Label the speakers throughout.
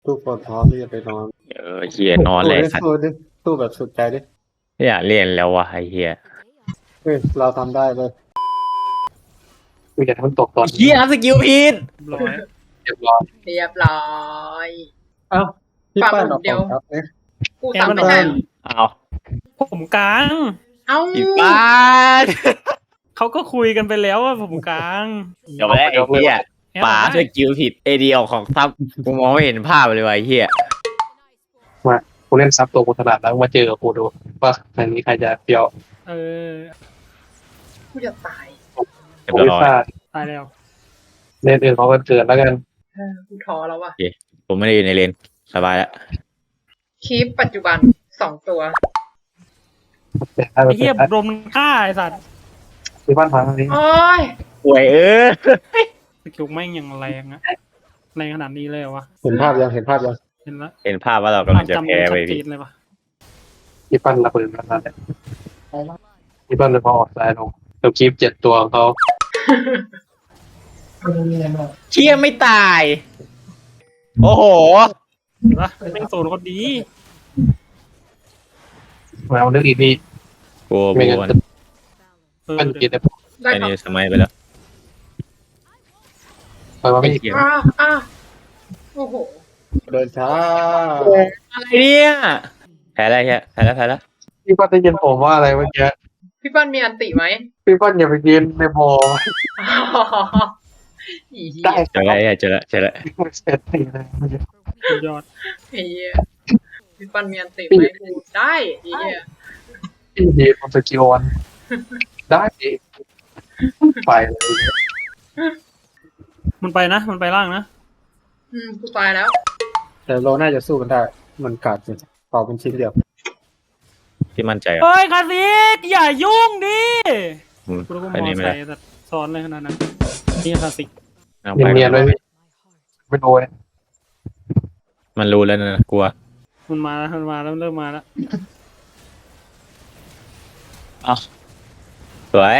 Speaker 1: ทุกคนพร้อมที่จะไปนอน
Speaker 2: เฮียนอนเลยสัตว์
Speaker 1: สู้ดิสู้แบบสุดใจดิ
Speaker 2: ไม่อยากเล่นแล้ววะไอ้เฮีย
Speaker 1: เฮ้ยเราทำได้เลย
Speaker 3: กูจะทำตกตอน
Speaker 2: เฮียสกิลผิด
Speaker 4: ร้อย
Speaker 3: เรียบร้อย
Speaker 5: เรียบร้อย
Speaker 1: เอ้าพี่
Speaker 5: ปาก
Speaker 1: ป้าน
Speaker 5: หลุ
Speaker 1: ออ
Speaker 5: ด
Speaker 1: ก
Speaker 5: เดียว
Speaker 1: ของครับเนี่ย
Speaker 5: กูซ้ำไม่ใช่เหรอ
Speaker 2: เอา
Speaker 4: ผมกลาง
Speaker 5: เอ้า
Speaker 2: อีบ้าน
Speaker 4: เขาก็คุยกันไปแล้วว่าผมกลาง
Speaker 2: เดี๋ยวแล้วไอ้เฮียป๋าสกิลผิดเอเดียของซับกูมองไม่เห็นภาพเลยว่ะไอ้เฮีย
Speaker 3: กูเล่นซับตัวกูถนัดแล้วมาเจอกับกูดูว่าครั้งนี้ใครจะเปรียว
Speaker 4: เออ
Speaker 5: กูจะตาย
Speaker 2: เรียบ
Speaker 3: กูไม่
Speaker 2: ร้อ
Speaker 3: พ
Speaker 2: ย
Speaker 3: ลาด
Speaker 4: ตายแล้ว
Speaker 3: เล่นอื่นเขาก็เกิดแล้วกัน
Speaker 5: กูท้อแล้วว่ะ
Speaker 2: ผมไม่ได้อยู่ในเลนสบายแล้ว
Speaker 5: คีปปัจจุบัน2 ตัว
Speaker 3: แต่ถ้า
Speaker 4: ไอ้เหี้ย
Speaker 3: เป็น
Speaker 4: รมฆ่าไอ้สัตว์
Speaker 3: ที่บ้านพังนี้
Speaker 5: โอ้ย
Speaker 2: ป่วย
Speaker 4: สกิลแม่งอย่างแรงอะแรงขนาดนี้เลยเหรอวะ
Speaker 1: เห็นภาพยังเห็นภาพยัง
Speaker 4: เห็นแล้ว
Speaker 2: เห็นภาพว่าเรากำลังจะ
Speaker 4: จำ
Speaker 2: แพ้
Speaker 4: ชั
Speaker 2: ไป
Speaker 4: ดเจ
Speaker 2: พี่
Speaker 4: นเลยวะ
Speaker 3: ที่บ้านระเบิดนั่นแหละที่บ้านเลยพอออกสายลงเดี๋ยวคลิป7 ตัวของเขา
Speaker 2: เชี่ยไม่ตาย โอ้โห
Speaker 4: เห็นปะแม่งโซนก็ดี
Speaker 3: มาเอาเรื่องอีกนี่
Speaker 2: กลัว
Speaker 3: ไม่
Speaker 2: บั
Speaker 3: งั้น
Speaker 2: ว
Speaker 3: จะ
Speaker 4: เออ
Speaker 3: มัน
Speaker 4: เดี๋
Speaker 3: กิ
Speaker 4: ย
Speaker 3: น
Speaker 4: ว
Speaker 3: ได้
Speaker 5: ได้
Speaker 2: อัน
Speaker 5: ครับ
Speaker 2: นี้สมัยไปแล้ว
Speaker 3: ไปมาไม่
Speaker 2: เกี่ยว
Speaker 5: อ้าโอ้โห
Speaker 1: เดินช้า
Speaker 2: อะไรเนี่ยแพ้แล้วเฮียแพ้แล้ว
Speaker 3: พี่ป้านได้ยินผมว่าอะไรเมื่อกี้
Speaker 5: พี่ปั้นมีอันติไหม
Speaker 3: พี่ป้านอย่าไปยืนในบ่อ
Speaker 5: อีเหี้
Speaker 3: ได้
Speaker 5: ย
Speaker 2: เจอแล้วเฮียเจอแล้วเจอแล้ว
Speaker 3: เสร็จทีเลย
Speaker 4: สุดยอด
Speaker 5: ไอ้เหี้ยพี่ปั้นมีอันติไหมกูได้ไอ้เหี้ย
Speaker 3: พี่ดีมันสกิลวันได้ไปเลย
Speaker 4: มันไปนะ มันไปล่างนะ
Speaker 5: กูตายแล้ว
Speaker 1: แต่เราน่าจะสู้กันได้ มันกัดจริงต่อเป็นชิ้นเดียว
Speaker 2: ที่มั่นใจอ่ะ
Speaker 4: เฮ้ยคาซิกอย่ายุ่งดิกูรู้ว่า
Speaker 2: อัน
Speaker 4: มอ
Speaker 2: นี้ไม่
Speaker 4: ใส่
Speaker 2: ได้
Speaker 4: แต่ซ้อนเลยขนาดนั้นนี่คาซิก
Speaker 2: เอาไป
Speaker 3: เนียนๆเลยพี่ไม่โดน
Speaker 2: มันรู้แล้วนะกลัว
Speaker 4: มันมาแล้วมันมาแล้วเริ่มมาแล้ว
Speaker 2: สวย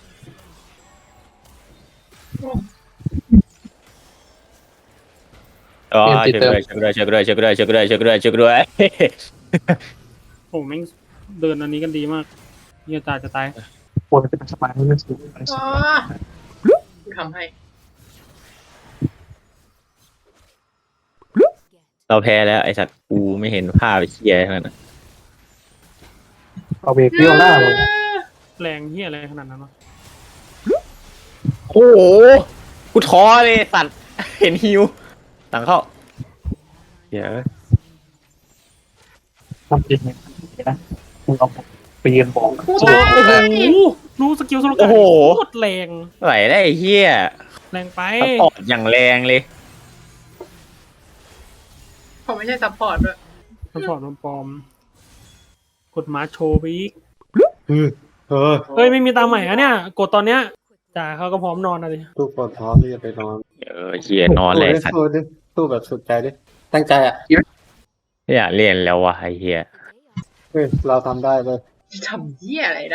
Speaker 2: อ๋อเช็คด้วยเช็คด้วยเช็คด้วยเช็คด้วยเช็คด้วยเช็คด้วย
Speaker 4: โอ้แม่งเดินอันนี้กันดีมากเหี้ยตายจะตาย
Speaker 3: ควรเป็นสมัยไม่สูง
Speaker 5: อ๋อกูทำให้
Speaker 2: เราแพ้แล้วไอสัตว์กูไม่เห็นภาพเชี่ยขนาดนั้น
Speaker 3: เอาเบรกเปรี้ยวหน้าเลย
Speaker 4: แรงเหี้ยอะไรขนาดนั้นวะ
Speaker 2: โอ้โหกูท้อเลยสัตว์เห็นฮิวหลังเข้าเดี๋ยว
Speaker 3: ทำจริงนะมึงเอาไปยืนบอก
Speaker 5: กู
Speaker 4: โอ้
Speaker 5: ตาย
Speaker 4: โหรู้สกิลสโล
Speaker 2: โอ้
Speaker 4: กา
Speaker 2: โห
Speaker 4: โคตรแรง
Speaker 2: ไหวได้ไอ้เฮีย
Speaker 4: แรงไป
Speaker 2: สปอร์ตอย่างแรงเลย
Speaker 5: เขาไม่ใช่ซัพพอร์ตด้วย
Speaker 4: สปอร์ตปลอมๆกดมาโชว์ไปอีก
Speaker 1: เออ
Speaker 4: เฮ้ยไม่มีตามใหม่อะเนี่ย กดตอนเนี้ยจ่าเขาก็พร้อมนอนอะดิ
Speaker 1: ทุกคนพร้อมที่จะไปนอน
Speaker 2: เฮียนอนเลยสัตว์
Speaker 1: สู้ดิสู้แบบสุดใจดิ ตั้งใจอ่ะ
Speaker 2: ไม่อยากเล่นแล้ววะไอ้เฮีย
Speaker 1: เฮ้ยเราทำได้เลย
Speaker 5: ทำเหี้ยอะไรได้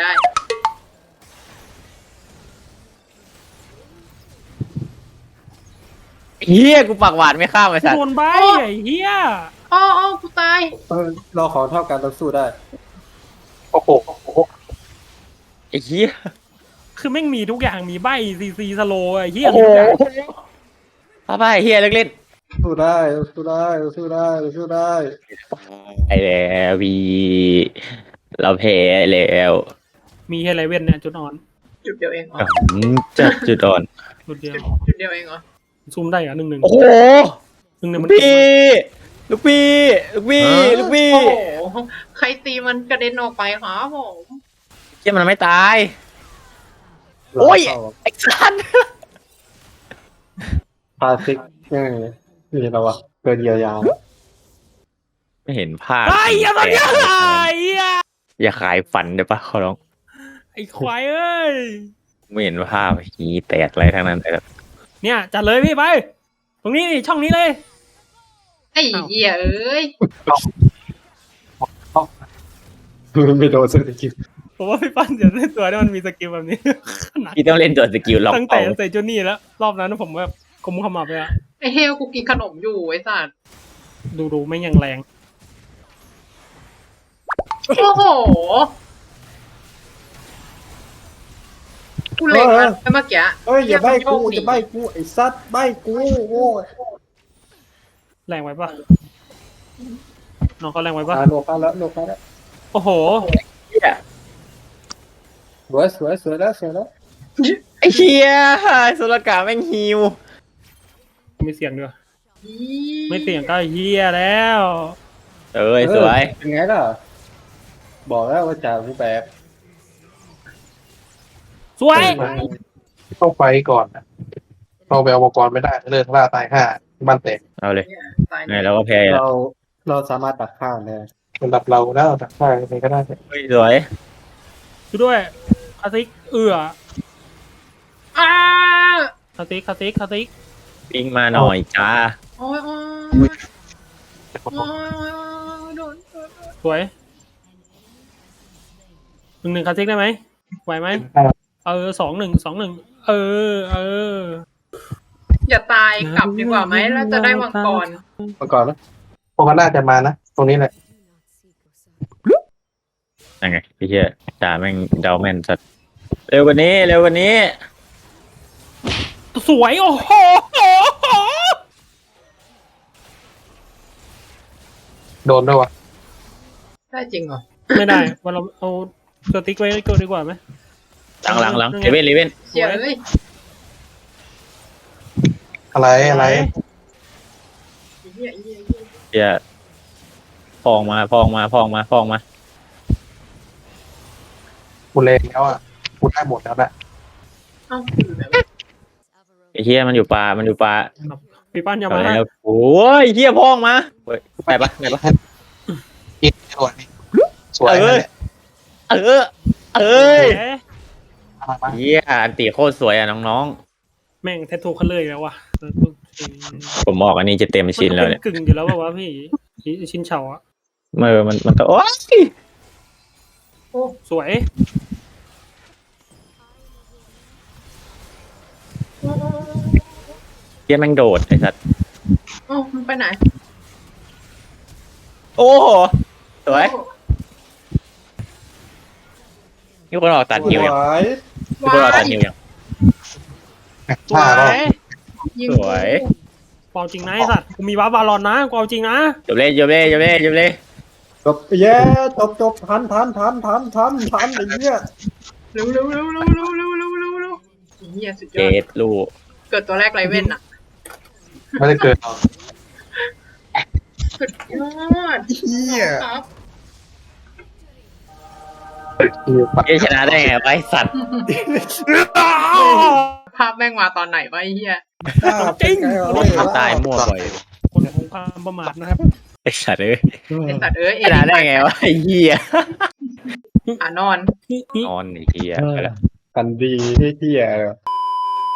Speaker 2: เฮียกูปากหวานไม่ข้ามไอ้สัต
Speaker 4: โด
Speaker 2: ว์
Speaker 4: นใบไอ้เหี้ย
Speaker 5: อ๋อกูตาย
Speaker 1: เราขอเท่ากันเราสู้ได้
Speaker 3: โอ้โห
Speaker 2: ไอ้เฮีย
Speaker 4: คือแม่งมีทุกอย่างมีใบซีสโลไอ้เหี้ย
Speaker 2: โอ้โห
Speaker 4: มีทุกอย่าง
Speaker 2: ป้าป้าเฮียเล่น
Speaker 1: สู้ได้สู้ได้สู้ได้สู้ได้
Speaker 2: ๆไอ้แล้ววีเราแพ้แล้ว
Speaker 4: มีเฮเลเว่นเนี่ยจุดอ่อน
Speaker 5: จุดเดียวเองเหรอ
Speaker 2: จัดจุดอ่อน
Speaker 4: จุดเดียว
Speaker 5: จุดเดียวเองเหรอ
Speaker 4: ซูมได้เหรอ1-1
Speaker 2: โอ้โห
Speaker 4: 1-1
Speaker 2: ลู
Speaker 4: มั
Speaker 2: ก
Speaker 4: น
Speaker 2: พี่ลูกพี่ลูกพี่ลูกพี่
Speaker 5: โอ้โหใครตีมันกระเด็นออกไปครับผม
Speaker 2: เฮียมันไม่ตาย โอ้ย ไอ้สัตว์
Speaker 1: พาซิกนี่เราอะเกินเยียวยา
Speaker 2: ไม่เห็นภาพ
Speaker 4: ไอ้เหี้ยตอนเนี้ยไอ้เหี้ย
Speaker 2: อย่าขายฝันได้ปะขอร้อง
Speaker 4: ไอ้ควายเอ้ย
Speaker 2: ไม่เห็นภาพหีแตกอะไรทั้งนั้นเลยครับ
Speaker 4: เนี่ยจัดเลยพี่ไป ตรงนี้นี่ช่องนี้เลย
Speaker 5: ไอ้เหี้ยเอ้ย
Speaker 1: ไม่โดนสักที
Speaker 4: ผมว่าพี่ปั้นเดี๋ยวเล่นตัวที่มันมีสกิลแบบนี้ขนาด
Speaker 2: พี่ต้องเล่นตัวสกิลล็อก
Speaker 4: ตั้งแต่
Speaker 2: เป้า
Speaker 4: ใส่จูนี่แล้ว รอบนั้นผมแบบกุมขมับเลยอะ
Speaker 5: ไอ้เฮลกูกินขนมอยู่ไอ้สัตว์
Speaker 4: ดูไม่ยังแรง
Speaker 5: โอ้โหกูเล็งมันไปเมื่อกี้
Speaker 1: เอ้ยอย่าใบกู
Speaker 5: เหี้
Speaker 1: อย่าใบกูไอ้ซัดใบกูโอ้ย
Speaker 4: แรงไว้ปะน้องเขาแรงไว้ปะ
Speaker 1: โลกแล้วโลกแล้ว
Speaker 4: โอ้โห
Speaker 2: เหี้ย
Speaker 1: สวยสวยสวยแล้วสวยแล้ว
Speaker 2: ไอ้เหี้ยสุรกาแม่งฮิว
Speaker 4: ไม่เสียงด้วย
Speaker 5: อี
Speaker 4: ไม่เสียงก็เฮียแล้ว
Speaker 2: เอ้ยสวย
Speaker 1: เป็นไงล่ะบอกแล้วว่าจ่าผู้แบบ
Speaker 4: สวย
Speaker 3: ต้องไฟก่อนนะเราไปเอามังกรไม่ได้เลิกล่าตาย5บ้านแตก
Speaker 2: เอาเลย
Speaker 5: เนี่ยตาย
Speaker 2: ไงเราก็แพ้แล้ว
Speaker 1: เราสามารถตัดข้างได้
Speaker 3: ระดับเราแล้วตัดฆ่าใครก็ได้
Speaker 2: เฮ้ยสวย
Speaker 4: ดูด้วยคาซิกเอื้อ
Speaker 5: อ้า
Speaker 4: คาซิก
Speaker 2: ปิงมาหน่อยจ้า
Speaker 5: โอ้ยโอ้ยโอ้ยโดน
Speaker 4: สวย1-1คาซิกได้ไหมไหวไหม2-1 เออ
Speaker 5: อย่าตายกลับดีกว่าไหมแล้วจะได้มังกร
Speaker 1: มาก่อนนะ
Speaker 3: พวกมันน่าจะมานะตรงนี้แหละ
Speaker 2: ยังไงไอ้เหี้ยจ่าแม่งเดาแม่นสัตว์เร็วกว่านี้เร็วกว่านี้
Speaker 4: สวยโอ้โห
Speaker 3: โดนด้วยวะ
Speaker 5: ได้จริงเหรอ
Speaker 4: ไม่ได้วันเราเอาสติ๊กไว้ก่อนดีกว่าไหม
Speaker 2: หลังเลเว่น
Speaker 5: เสียเลย
Speaker 3: อะไร
Speaker 5: เหี้ย
Speaker 2: เหี้ยพองมา
Speaker 3: กูเลงแล้วอ่ะกูได้หมดแล้วแหละ
Speaker 5: เอ้าอยู่ไหนวะ
Speaker 2: ไอ้เหี้ยมันอยู่ป่า
Speaker 4: พี่ปั้นอย่า
Speaker 2: เอา
Speaker 4: มา
Speaker 2: แล้วโอ้ยเหี้ยพองมาเฮ้ยไปปะ
Speaker 3: กินสวยสวยนั่นแหละ
Speaker 2: เออ
Speaker 4: เอ้ย
Speaker 3: มา
Speaker 2: เหี้ยอันตีโคตรสวยอ่ะน้อง
Speaker 4: แม่งแททูคันเลยแล้ววะ
Speaker 2: ๆผมบอกอันนี้จะเต็มชิ้นแล้วเนี่ย
Speaker 4: กึ่งอยู่แล้วป่าวะพี่ชิ้นเฉาอะ
Speaker 2: มันก็โอ๊ย
Speaker 4: สวย
Speaker 2: เหี้ยแม่งโดดไอ้สัตว์
Speaker 5: โอ้มันไปไหน
Speaker 2: โอ้โหสวยนี่คนออกตัดหิวยัง นี่คนออกตัดหิวยัง
Speaker 4: สว
Speaker 3: ฆ่าก็
Speaker 4: ย
Speaker 5: ยิง
Speaker 2: สวย
Speaker 4: กูเอาจริงนะไอ้สัตว์กูมีวาร์ปบาลอนนะกูเอาจริงนะ
Speaker 2: จบเลย
Speaker 1: จบเย้จบทันไอ้เหี้ย
Speaker 5: เร็วเหี้ยสุดย
Speaker 2: เจ็
Speaker 5: อด
Speaker 2: ดลูก
Speaker 5: เกิดตัวแรกไรเว้นอ่ะ
Speaker 3: ไม่ได้เกิดหรอก
Speaker 5: สุดยอด
Speaker 1: เหี้ย
Speaker 5: ครับ
Speaker 2: เหี้ยชนะได้ไงไปสัตว์
Speaker 5: ภาพแม่งมาตอนไหนวะไอ้เหี้ย
Speaker 4: จริง
Speaker 2: ตายมั่วบ่อย
Speaker 4: คนของความประมาทนะครับ
Speaker 2: ไอ้สัตว์เอ้ย
Speaker 5: ไอ้สัตว์เอ้ย
Speaker 2: ชนะได้ไงวะไอ้เหี้ย
Speaker 5: นอน
Speaker 2: นอนไอ้เหี้ยไปละ
Speaker 1: กันดีเหี้ย